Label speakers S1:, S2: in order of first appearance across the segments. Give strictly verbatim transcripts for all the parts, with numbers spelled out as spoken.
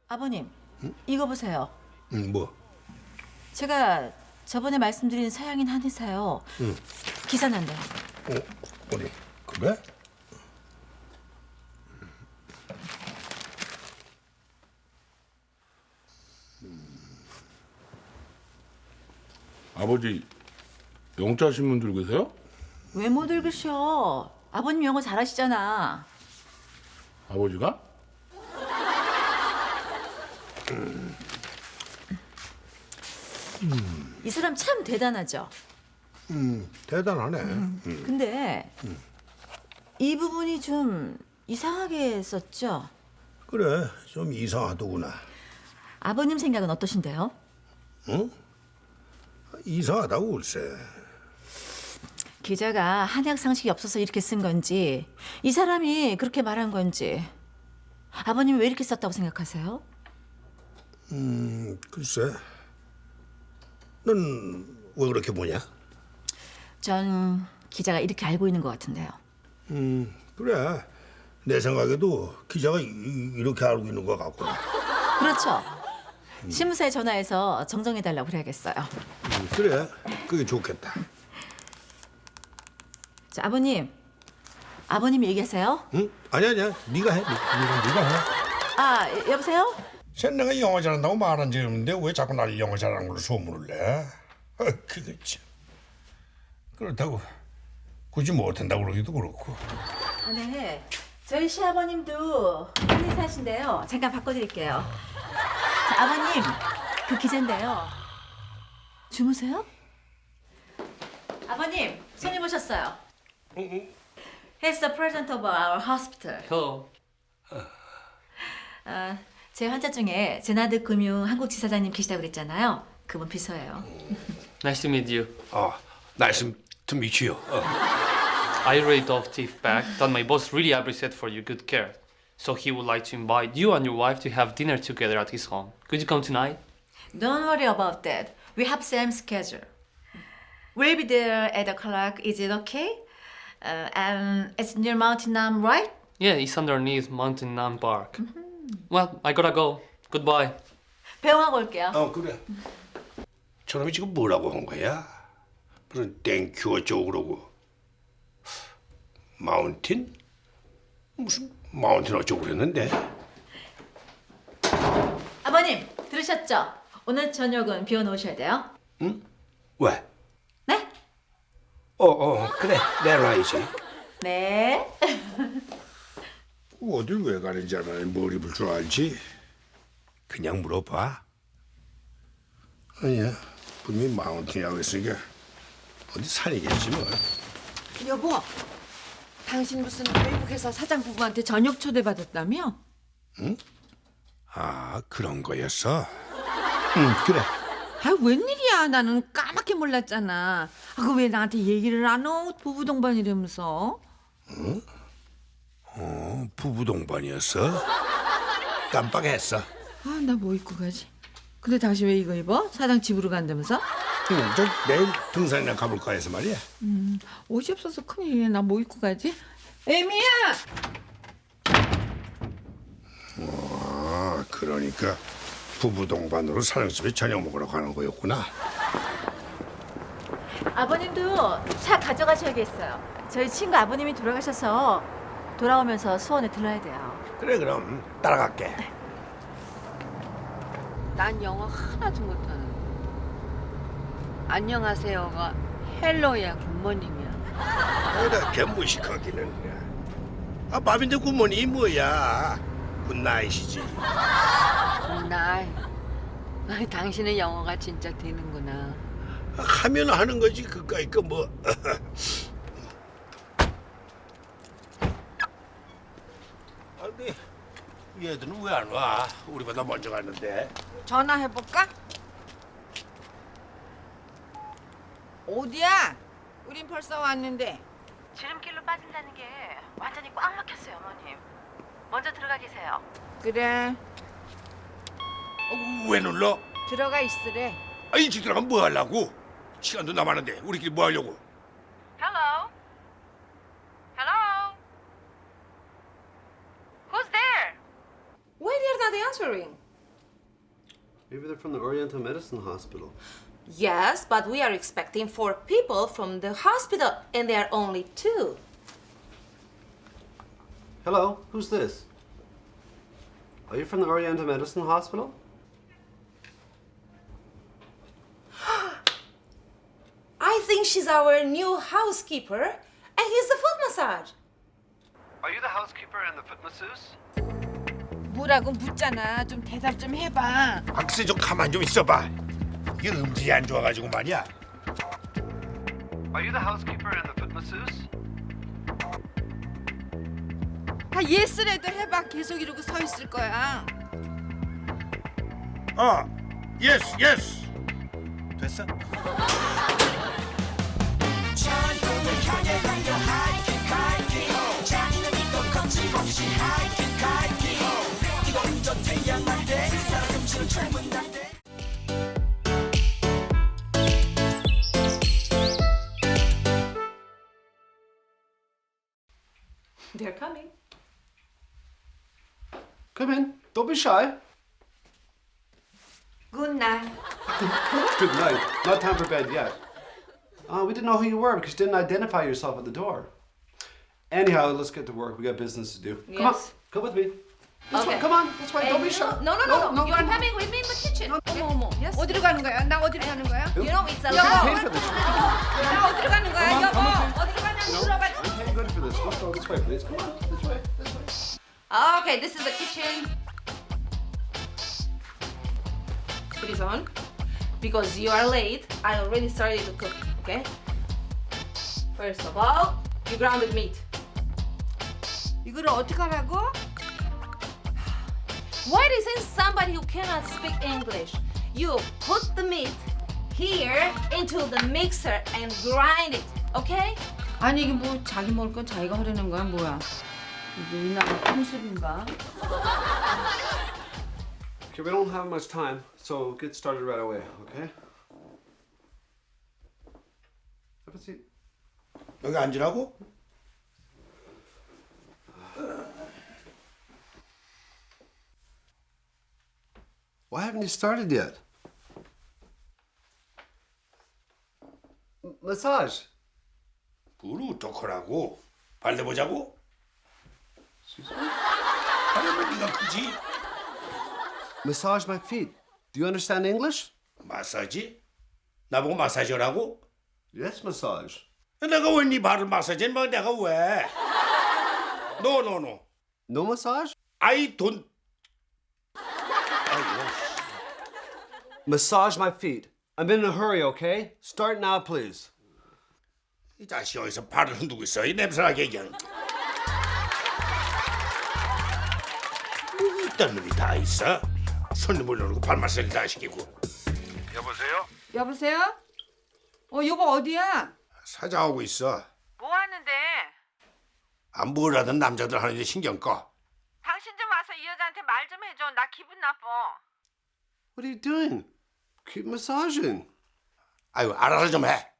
S1: 아버님, 이거 보세요.
S2: 응, 뭐?
S1: 제가 저번에 말씀드린 서양인 한의사요.
S2: 응.
S1: 기사 난대요.
S2: 어, 어디? 그래?
S3: 아버지 영자 신문 들고 계세요?
S1: 왜 못 읽으셔? 아버님 영어 잘하시잖아.
S3: 아버지가?
S1: 이 사람 참 대단하죠.
S2: 음, 대단하네. 음.
S1: 근데 이 부분이 좀 이상하게 썼죠?
S2: 그래, 좀 이상하더구나.
S1: 아버님 생각은 어떠신데요?
S2: 응? 이상하다고 글쎄.
S1: 기자가 한약 상식이 없어서 이렇게 쓴 건지 이 사람이 그렇게 말한 건지 아버님이 왜 이렇게 썼다고 생각하세요?
S2: 음, 글쎄. 넌 왜 그렇게 보냐?
S1: 전 기자가 이렇게 알고 있는 것 같은데요.
S2: 음, 그래. 내 생각에도 기자가 이, 이렇게 알고 있는 것 같구나.
S1: 그렇죠. 신문사에 전화해서 정정해달라고 그래야겠어요.
S2: 음, 그래, 그게 좋겠다.
S1: 자, 아버님. 아버님 얘기하세요.
S2: 응? 아니 아니야. 네가 해. 네가 네가 해.
S1: 아, 여보세요?
S2: 쟤 내가 영어 잘한다고 말한 적이 없는데 왜 자꾸 날 영어 잘하는 걸로 소문을 내? 아, 그거 참. 그렇다고 굳이 못한다고 그러기도 그렇고.
S1: 아, 네. 저희 시아버님도 한의사신데요. 잠깐 바꿔드릴게요. 자, 아버님, 그 기자인데요. 주무세요? 아버님, 손님 오셨어요. He's the president of our hospital.
S4: Hello.
S1: 아, 제 환자 중에 제나드 금융 한국 지사장님 계시다고 그랬잖아요. 그분 비서예요.
S4: Nice to meet you.
S2: 아, 날씨 좀 미치요. 어.
S4: I really dove teeth back that my boss really appreciate for your good care. So he would like to invite you and your wife to have dinner together at his home. Could you come tonight?
S1: Don't worry about that. We have same schedule. We'll be there at o'clock. Is it okay? Uh, and it's near Mountain Nam, right?
S4: Yeah, it's underneath Mountain Nam Park. Well, I gotta go. Goodbye.
S1: 배웅하고 올게요.
S2: 어, 그래. 저놈이 지금 뭐라고 한 거야? 무슨 땡큐 어쩌고 그러고. 마운틴? 무슨 마운틴 어쩌고 그랬는데?
S1: 아버님, 들으셨죠? 오늘 저녁은 비워놓으셔야 돼요.
S2: 응? 왜?
S1: 네?
S2: 어, 어, 그래. 내놔야지.
S1: 네.
S2: 어딜 왜 가는지 알아야 뭘 입을 줄 알지? 그냥 물어봐. 아니야, 분명히 마운틴이라고 했으니까 어디 산이겠지 뭐.
S5: 여보, 당신 무슨 외국에서 사장 부부한테 저녁 초대받았다며?
S2: 아, 그런 거였어? 응, 그래.
S5: 아, 웬일이야. 나는 까맣게 몰랐잖아. 아, 그 왜 나한테 얘기를 안 해? 부부 동반이라면서.
S2: 어, 부부 동반이었어? 깜빡했어.
S5: 아, 나 뭐 입고 가지? 근데 당신 왜 이거 입어? 사장 집으로 간다면서?
S2: 응, 저 내일 등산이나 가볼까 해서 말이야.
S5: 옷이 없어서 큰일이네. 나 뭐 입고 가지? 에미야!
S2: 아, 그러니까 부부 동반으로 사장집에 저녁 먹으러 가는 거였구나.
S1: 아버님도 차 가져가셔야겠어요. 저희 친구 아버님이 돌아가셔서 돌아오면서 수원에 들러야 돼요.
S2: 그래, 그럼 따라갈게.
S5: 난 영어 하나도 못하는. 안녕하세요가 헬로야 굿모닝이야.
S2: 어라, 개무식하기는. 아, 밥인데 굿모닝이 뭐야? 굿나잇이지.
S5: 굿나잇. 아이, 당신의 영어가 진짜 되는구나.
S2: 하면 하는 거지 그까이 거 뭐. 아, 근데 얘들은 왜 안 와? 우리보다 먼저 갔는데.
S5: 전화해볼까? 어디야? 우린 벌써 왔는데.
S1: 지름길로 빠진다는 게 완전히 꽉 막혔어요, 어머님. 먼저 들어가 계세요.
S5: 그래,
S2: 어, 왜 눌러?
S5: 들어가 있으래.
S2: 아, 일찍 들어가면 뭐 하려고? 시간도 남았는데 우리끼리 뭐 하려고?
S1: Hello? Hello? Who's there?
S6: Why they're not answering? Maybe they're from the Oriental Medicine Hospital.
S7: Yes, but we are expecting four people from the hospital, and there are only two.
S6: Hello, who's this? Are you from the Oriental Medicine Hospital?
S7: I think she's our new housekeeper, and he's the foot massage.
S6: Are you the housekeeper and the foot masseuse?
S5: 뭐라고 묻잖아. 좀 대답 좀 해봐.
S2: 박스 좀 가만 좀 있어봐. 이게 음질이 안 좋아가지고 말이야.
S6: Are you the housekeeper and the foot masseuse?
S5: 아 예스라도 해봐. 계속 이러고 서 있을 거야.
S2: 어, 예스 예스. 됐어?
S7: They're coming.
S6: Come in. Don't be shy.
S7: Good night.
S6: Good night. Not time for bed yet. Uh, we didn't know who you were because you didn't identify yourself at the door. Anyhow, let's get to work. We got business to do. Come on.
S7: Yes.
S6: Come with me. This
S7: Okay.
S6: way. Come on. This way. Don't be
S7: Hey,
S6: shy.
S7: No, no, no, no. You are
S6: come on.
S7: coming with me in the kitchen.
S5: 어머 어머.
S7: Yes.
S5: 어디로 가는 거야? 나 어디로 가는 거야?
S7: You know it's a
S6: You
S7: law.
S6: paid for this.
S5: 나 어디로 가는 거야?
S6: Come on,
S5: 여보.
S6: come on.
S5: 어디로 가냐고
S6: No,
S5: 물어봐.
S6: I'm paying good for this. Let's go this way, please. Come on. This way. This way.
S7: Okay, this is the kitchen. Put it on. Because you are late, I already started to cook, okay? First of all, you grounded meat.
S5: 이거를 어떻게 하라고?
S7: Why isn't somebody who cannot speak English? You put the meat here into the mixer and grind it, okay?
S5: 아니 이게 뭐 자기 먹을 건 자기가 하려는 거야 뭐야? 이게 이 나라 풍습인가?
S6: Okay, we don't have much time, so get started right away, okay? Have a seat.
S2: 여기 앉으라고?
S6: Why haven't you started yet? M- massage.
S2: 그걸 어떡하라고? 발려보자고? 발려면 네가 크지?
S6: Massage my feet. Do you understand English?
S2: 마사지? 나보고 마사지라고?
S6: Yes, massage.
S2: 내가 왜 네 발을 마사지해? 뭐 내가 왜? No, no, no.
S6: No massage?
S2: I don't.
S6: Massage my feet. I'm in a hurry, okay? Start now, please.
S2: 이 자식 어디서 발을 흔들고 있어? 이 냄새나게 그냥. 뭐 이딴 놈이 다 있어? 손님 올려놓고 발 마사지 다 시키고. 여보세요?
S5: 여보세요? 어 여보 어디야?
S2: 사장하고 있어.
S5: 뭐 하는데?
S2: 안 뭐라든 남자들 하는 데 신경 꺼.
S5: 당신 좀 와서 이 여자한테 말 좀 해줘. 나 기분 나빠.
S6: What are you doing? Keep massaging.
S2: 아유 알아서 좀 해.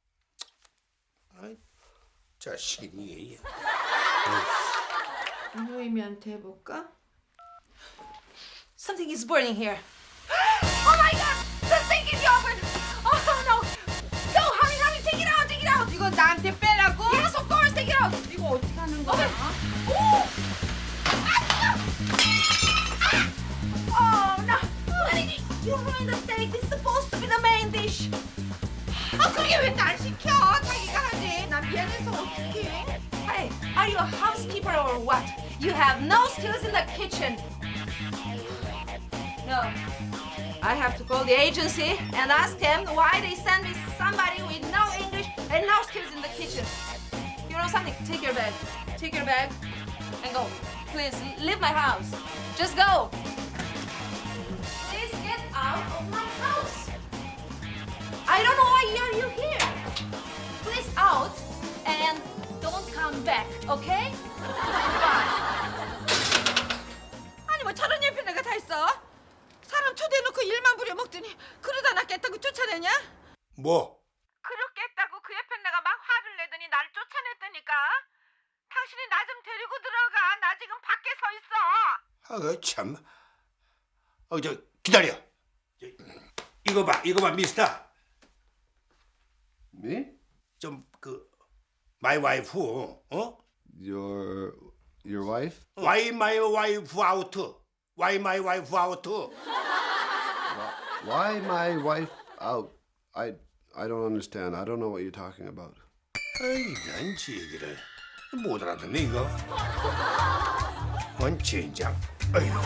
S2: 아이, 자식이 이게.
S5: 노임이한테 해볼까?
S7: Something is burning here. Oh my god! The sink in the oven! Oh no! Go, hurry, hurry, take it out, take it out!
S5: 이거 나한테 빼라고?
S7: Yes, of course, take it out!
S5: 이거 어떻게 하는 거야?
S7: Oh no! Honey, you ruined the steak. This is supposed to be the main dish.
S5: 아 그게 왜 날 시켜? 자기가 하지. 나 미안해서 어떡해.
S7: Hey, are you a housekeeper or what? You have no skills in the kitchen. No. I have to call the agency and ask them why they send me somebody with no English and no skills in the kitchen. You know something? Take your bag. Take your bag and go. Please, leave my house. Just go. Please get out of my house. I don't know why are you here. Please out and don't come back, okay? Bye.
S5: 아니 뭐 저런 일편 내가 다 있어? 사람 초대해놓고 일만 부려먹더니 그러다 나 깼다고 쫓아내냐?
S2: 뭐?
S5: 그렇겠다고 그 옆에 내가 막 화를 내더니 날 쫓아냈다니까. 당신이 나 좀 데리고 들어가. 나 지금 밖에 서 있어.
S2: 아그 참. 어 저 기다려. 이거 봐, 이거 봐, 미스터.
S6: Me?
S2: 좀 그 마이 와이프, 어?
S6: Your your wife?
S2: Why my wife out? Why my wife out?
S6: Why my wife out? I I don't understand. I don't know what you're talking about.
S2: 아이, 난지 얘기를 못 알아듣네 이거. 원진장. 아이고.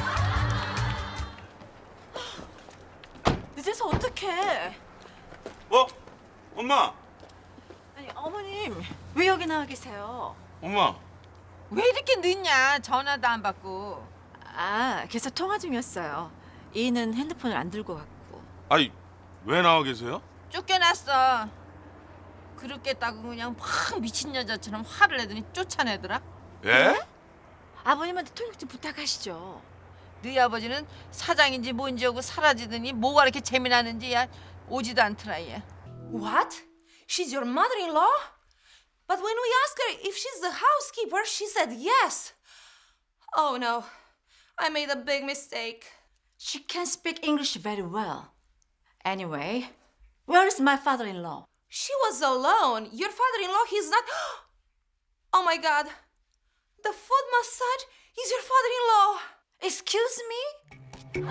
S1: 늦어서 어떡해?
S8: 어? 엄마!
S1: 아니 어머님 왜 여기 나와 계세요?
S8: 엄마!
S5: 왜 이렇게 늦냐? 전화도 안 받고.
S1: 아 계속 통화 중이었어요. 이는 핸드폰을 안 들고 갔고.
S8: 아니, 왜 나와 계세요?
S5: 쫓겨났어. 그렇겠다고 그냥 막 미친 여자처럼 화를 내더니 쫓아내더라.
S8: 예?
S1: 아버님한테 통역 좀 부탁하시죠.
S5: 너희 아버지는 사장인지 뭔지 하고 사라지더니 뭐가 이렇게 재미나는지 야 오지도 않더라 얘.
S7: What? She's your mother-in-law? But when we asked her if she's the housekeeper, she said yes. Oh no, I made a big mistake.
S1: She can speak English very well. Anyway, where is my father-in-law?
S7: She was alone. Your father-in-law, he's not. Oh my god. The foot massage is your father-in-law.
S1: Excuse me?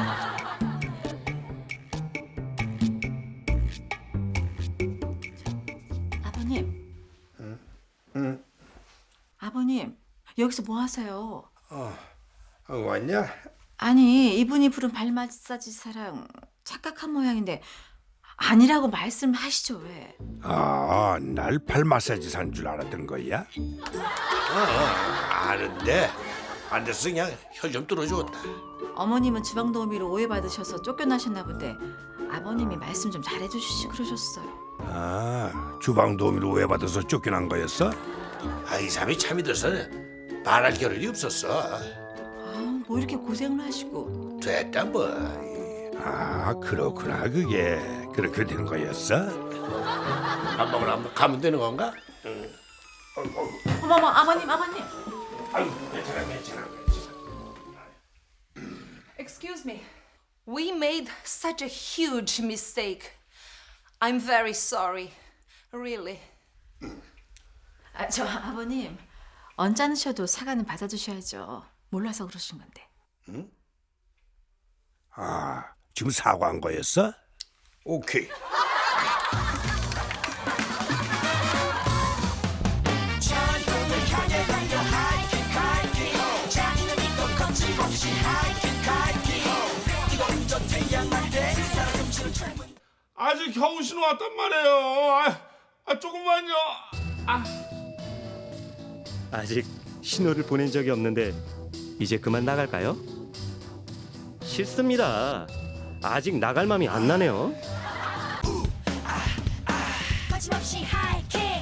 S1: 아버님. 응? 응. 아버님, 여기서 뭐 하세요?
S2: 어, 왔냐?
S1: 아니, 이분이 부른 발 마사지 사랑 착각한 모양인데 아니라고 말씀하시죠 왜?
S2: 아, 날 발 마사지 산 줄 알았던 거야? 어, 아는데 안 됐어 그냥 혀 좀 뚫어주었다.
S1: 어머님은 주방 도우미로 오해받으셔서 쫓겨나셨나 본데 아버님이 말씀 좀 잘해주시지 그러셨어요.
S2: 아, 주방 도우미로 오해받아서 쫓겨난 거였어? 아, 이 사람이 참 믿어서 말할 겨를이 없었어.
S1: 아, 뭐 이렇게 고생을 하시고.
S2: 됐다 뭐. 아, 그렇구나. 그게 그렇게 된 거였어? 밥 먹으러 한번 가면 되는 건가? 응.
S1: 어머머, 아버님, 아버님.
S2: 아유, 괜찮아, 괜찮아, 괜찮아.
S7: Excuse me. We made such a huge mistake. I'm very sorry. Really.
S1: 아, 저 아버님 언짢으셔도 사과는 받아주셔야죠. 몰라서 그러신 건데.
S2: 아, 지금 사과한 거였어? 오케이.
S8: 아직 겨우 신호 왔단 말이에요. 아, 아 조금만요. 아.
S9: 아직 신호를 보낸 적이 없는데 이제 그만 나갈까요? 싫습니다. 아직 나갈 맘이 안 나네요.
S10: 거침없이 하이킥